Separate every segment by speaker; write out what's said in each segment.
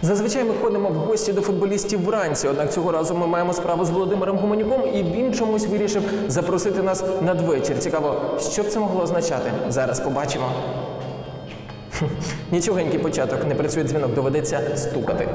Speaker 1: Зазвичай ми ходимо в гості до футболістів вранці, однак цього разу ми маємо справу з Володимиром Гуменюком, і він чомусь вирішив запросити нас надвечір. Цікаво, що б це могло означати? Зараз побачимо. Нічогенький початок, не працює дзвінок, доведеться стукати.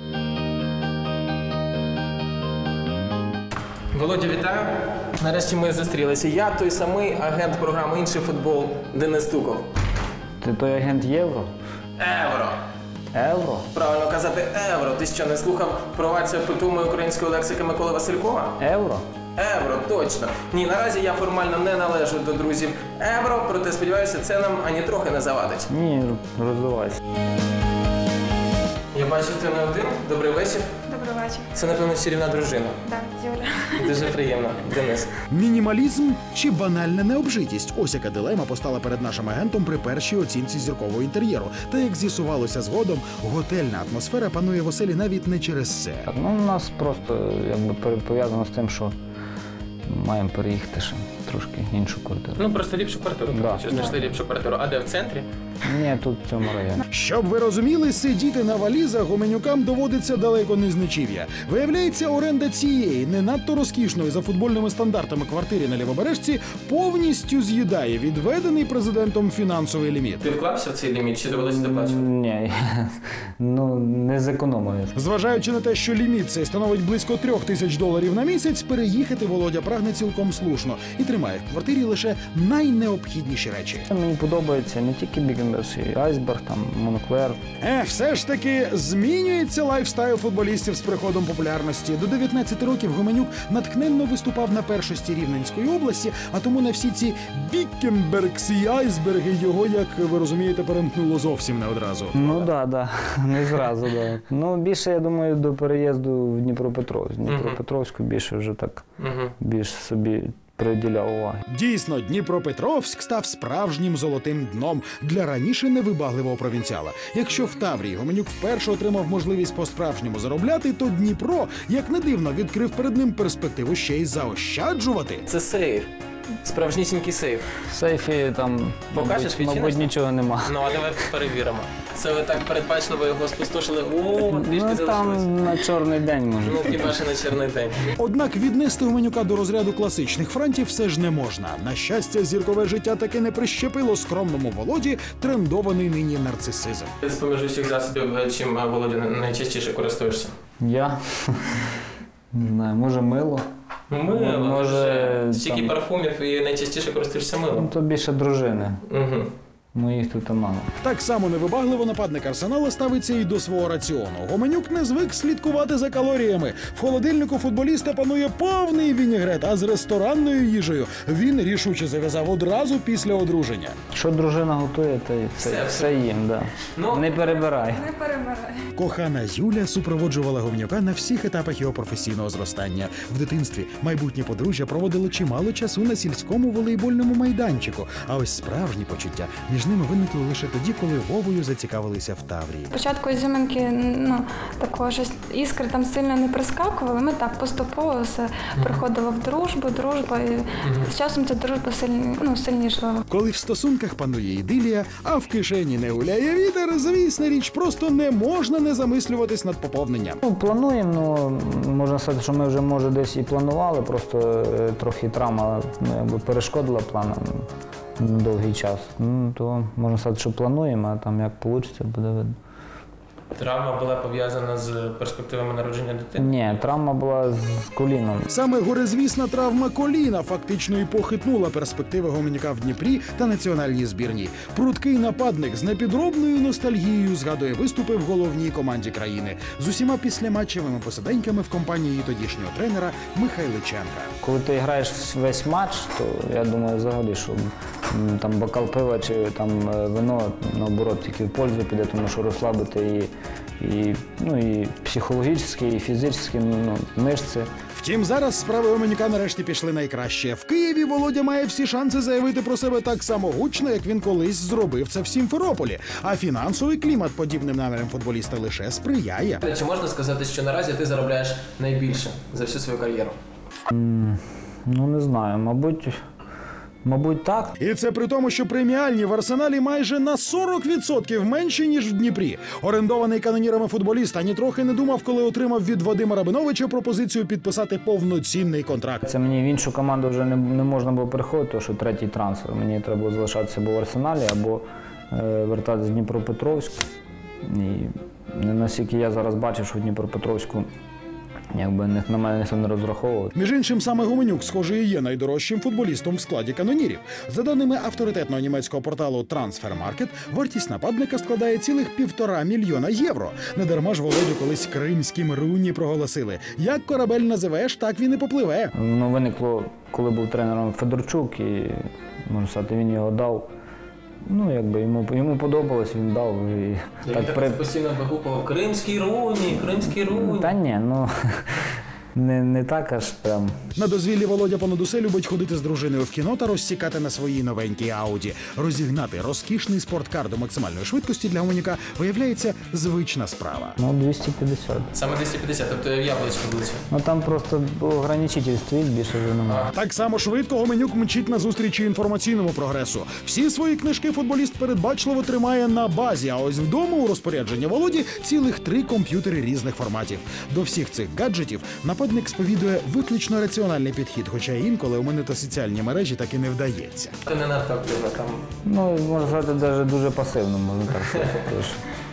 Speaker 1: Володя, вітаю. Нарешті ми зустрілися. Я той самий агент програми «Інший футбол» Денис Стуков.
Speaker 2: Ти той агент Євро?
Speaker 1: Евро.
Speaker 2: Евро?
Speaker 1: Правильно казати евро. Ти що, не слухав провацію питомої української лексики Миколи Василькова?
Speaker 2: Евро?
Speaker 1: Евро, точно. Ні, наразі я формально не належу до друзів евро, проте сподіваюся, це нам ані трохи не завадить.
Speaker 2: Ні, розвивайся.
Speaker 1: Я бачу, ти не один. Добрий вечір.
Speaker 3: Добрий вечір.
Speaker 1: Це, напевно, чарівна дружина.
Speaker 3: Так, Юля.
Speaker 1: Дуже приємно, Денис.
Speaker 4: Мінімалізм чи банальна необжитість? Ось яка дилема постала перед нашим агентом при першій оцінці зіркового інтер'єру. Та як з'ясувалося згодом, готельна атмосфера панує в оселі навіть не через це.
Speaker 2: Ну, у нас просто пов'язано з тим, що маємо переїхати ще трошки іншу квартиру.
Speaker 1: Ну, просто ліпшу квартиру.
Speaker 2: Да.
Speaker 1: Знайшли ліпшу квартиру. А де, в центрі?
Speaker 2: Ні, тут в цьому районі.
Speaker 4: Щоб ви розуміли, сидіти на валізах Гуменюкам доводиться далеко не з нічів'я. Виявляється, оренда цієї не надто розкішної за футбольними стандартами квартири на Лівобережці повністю з'їдає відведений президентом фінансовий ліміт.
Speaker 1: Ти вклався в цей ліміт, чи довелося доплачувати?
Speaker 2: Ні, ну не зекономив.
Speaker 4: Зважаючи на те, що ліміт цей становить близько $3000 на місяць, переїхати Володя прагне цілком слушно і тримає в квартирі лише найнеобхідніші речі.
Speaker 2: Мені подобається не тільки Бігенберс, і Айсберг, там, Монклер.
Speaker 4: Все ж таки змінюється лайфстайл футболістів з приходом популярності. До 19 років Гуменюк натхненно виступав на першості Рівненської області, а тому на всі ці Бікенбергс і Айсберги його, як ви розумієте, перемкнуло зовсім не одразу.
Speaker 2: Ну да, не зразу, да. Ну більше, я думаю, до переїзду в Дніпропетровськ. Дніпропетровську більше вже так, більш собі приділяв уваги.
Speaker 4: Дійсно, Дніпропетровськ став справжнім золотим дном для раніше невибагливого провінціала. Якщо в Таврії Гуменюк вперше отримав можливість по-справжньому заробляти, то Дніпро, як не дивно, відкрив перед ним перспективу ще й заощаджувати.
Speaker 1: Це сейф. Справжнісінький сейф.
Speaker 2: В сейфі там,
Speaker 1: Покажеш,
Speaker 2: мабуть, нічого нема.
Speaker 1: Ну, а давай перевіримо. Це ви так передбачливо його спустошили. О, трішки
Speaker 2: Ну
Speaker 1: залишилось.
Speaker 2: там на чорний день може.
Speaker 1: Ну, хіба ще на чорний день.
Speaker 4: Однак віднести Гуменюка до розряду класичних франтів все ж не можна. На щастя, зіркове життя таки не прищепило скромному Володі трендований нині нарцисизм.
Speaker 1: З-поміж усіх засобів, чим, Володя, найчастіше користуєшся?
Speaker 2: Я? Не знаю, може мило?
Speaker 1: Мило.
Speaker 2: Може,
Speaker 1: Стільки
Speaker 2: там-
Speaker 1: парфумів і найчастіше користуєшся
Speaker 2: Ну
Speaker 1: милом.
Speaker 2: то більше дружини.
Speaker 1: Угу.
Speaker 2: Моїх тут мало.
Speaker 4: Так само невибагливо нападник Арсенала ставиться і до свого раціону. Гуменюк не звик слідкувати за калоріями. В холодильнику футболіста панує повний вінігрет, а з ресторанною їжею він рішуче зав'язав одразу після одруження.
Speaker 2: Що дружина готує, то й все їм, да.
Speaker 1: Ну,
Speaker 2: Не перебирай.
Speaker 3: Не перемирай.
Speaker 4: Кохана Юля супроводжувала Гуменюка на всіх етапах його професійного зростання. В дитинстві майбутнє подружжя проводило чимало часу на сільському волейбольному майданчику. А ось справжні почуття між ними виникли лише тоді, коли Вовою зацікавилися в Таврії.
Speaker 3: Спочатку ізюминки, такого щось, іскри там сильно не прискакували. Ми так поступово все приходило в дружба, і з часом ця дружба сильнішала.
Speaker 4: Коли в стосунках панує ідилія, а в кишені не гуляє вітер, звісна річ, просто не можна не замислюватись над поповненням.
Speaker 2: Ну, плануємо, можна сказати, що ми вже, може, десь і планували, просто трохи травма перешкодила планам на довгий час. Ну, то можна сказати, що плануємо, а там як вийде, буде видно.
Speaker 1: Травма була пов'язана з перспективами народження дитини?
Speaker 2: Ні, травма була з коліном.
Speaker 4: Саме горизвісна травма коліна фактично і похитнула перспективи Гуменюка в Дніпрі та національній збірній. Прудкий нападник з непідробною ностальгією згадує виступи в головній команді країни з усіма післяматчевими посиденьками в компанії тодішнього тренера Михайличенка.
Speaker 2: Коли ти граєш весь матч, то я думаю взагалі, що там бокал пива чи там вино, наоборот, тільки в пользу піде, тому що розслабити і психологічно, і фізично, мишці.
Speaker 4: Втім, зараз справи Гуменюка нарешті пішли найкраще. В Києві Володя має всі шанси заявити про себе так само гучно, як він колись зробив це в Сімферополі. А фінансовий клімат подібним намірам футболіста лише сприяє.
Speaker 1: Чи можна сказати, що наразі ти заробляєш найбільше за всю свою кар'єру?
Speaker 2: Ну, не знаю, мабуть, Мабуть, так.
Speaker 4: І це при тому, що преміальні в Арсеналі майже на 40% менші, ніж в Дніпрі. Орендований канонірами футболіст ані трохи не думав, коли отримав від Вадима Рабиновича пропозицію підписати повноцінний контракт.
Speaker 2: Це мені в іншу команду вже не можна було переходити, тому що третій трансфер. Мені треба було залишатися або в Арсеналі, або вертатися в Дніпропетровськ. І наскільки я зараз бачу, що в Дніпропетровську якби на мене ніхто не розраховував.
Speaker 4: Між іншим, саме Гуменюк, схоже, і є найдорожчим футболістом в складі канонірів. За даними авторитетного німецького порталу Transfermarkt, вартість нападника складає цілих 1,5 мільйона євро. Недарма ж Володю колись кримським Руні проголосили. Як корабель називеш, так він і попливе.
Speaker 2: Ну, виникло, коли був тренером Федорчук, і, можна сказати, він його дав. Ну, якби йому подобалось, він дав. І
Speaker 1: Так постійно вигукував «Кримський Руні, Кримський Руні».
Speaker 2: Та ні, ну не так аж прям.
Speaker 4: На дозвіллі Володя понад усе любить ходити з дружиною в кіно та розсікати на своїй новенькій Ауді. Розігнати розкішний спорткар до максимальної швидкості для Гуменюка виявляється звична справа.
Speaker 2: Ну, 250.
Speaker 1: Саме 250, тобто в яблучко влучив.
Speaker 2: Ну, там просто ограничитель стоїть, більше вже немає.
Speaker 4: Так само швидко Гуменюк мчить на зустрічі інформаційному прогресу. Всі свої книжки футболіст передбачливо тримає на базі, а ось вдома у розпорядження Володі цілих 3 комп'ютери різних форматів. До всіх цих гаджетів нападник сповідує виключно раціональний підхід, хоча інколи у мене та соціальні мережі так і не вдається.
Speaker 1: Ти не надто активно там.
Speaker 2: Ну, можна сказати, навіть дуже пасивно, можна так сказати. Тож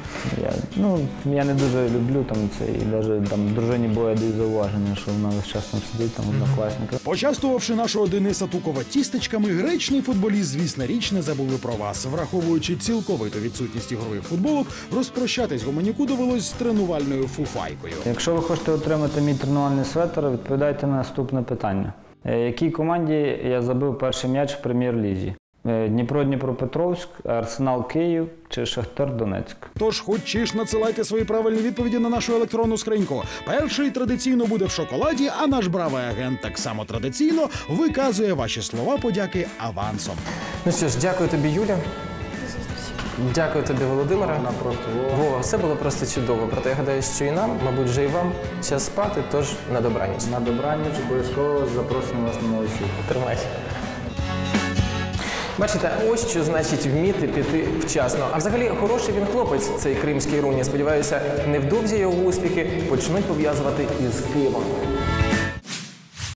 Speaker 2: я не дуже люблю там це, і навіть там дружині бою даю зауваження, що вона весь час там сидить, там однокласника.
Speaker 4: Почастувавши нашого Дениса Тукова тістечками, гречний футболіст, звісно, річ не забули про вас. Враховуючи цілковиту відсутність ігрових футболок, розпрощатись Гуменюку довелось з тренувальною фуфайкою.
Speaker 2: Якщо ви хочете отримати мій тренувальний светр, відповідайте на наступне питання. Якій команді я забив перший м'яч в прем'єр-лізі? Дніпро-Дніпропетровськ, Арсенал Київ чи Шахтар Донецьк?
Speaker 4: Тож хоч ж надсилайте свої правильні відповіді на нашу електронну скриньку. Перший традиційно буде в шоколаді, а наш бравий агент так само традиційно виказує ваші слова подяки авансом.
Speaker 1: Ну що ж, дякую тобі, Юля. Дякую тобі, Володимире. Вова, все було просто чудово. Проте я гадаю, що і нам, мабуть, вже і вам час спати, тож на добраніч.
Speaker 2: На добраніч, обов'язково запросимо вас на новий світ.
Speaker 1: Тримай. Бачите, ось що значить вміти піти вчасно. А взагалі, хороший він хлопець, цей кримський Руні. Сподіваюся, невдовзі його успіхи почнуть пов'язувати із Києвом.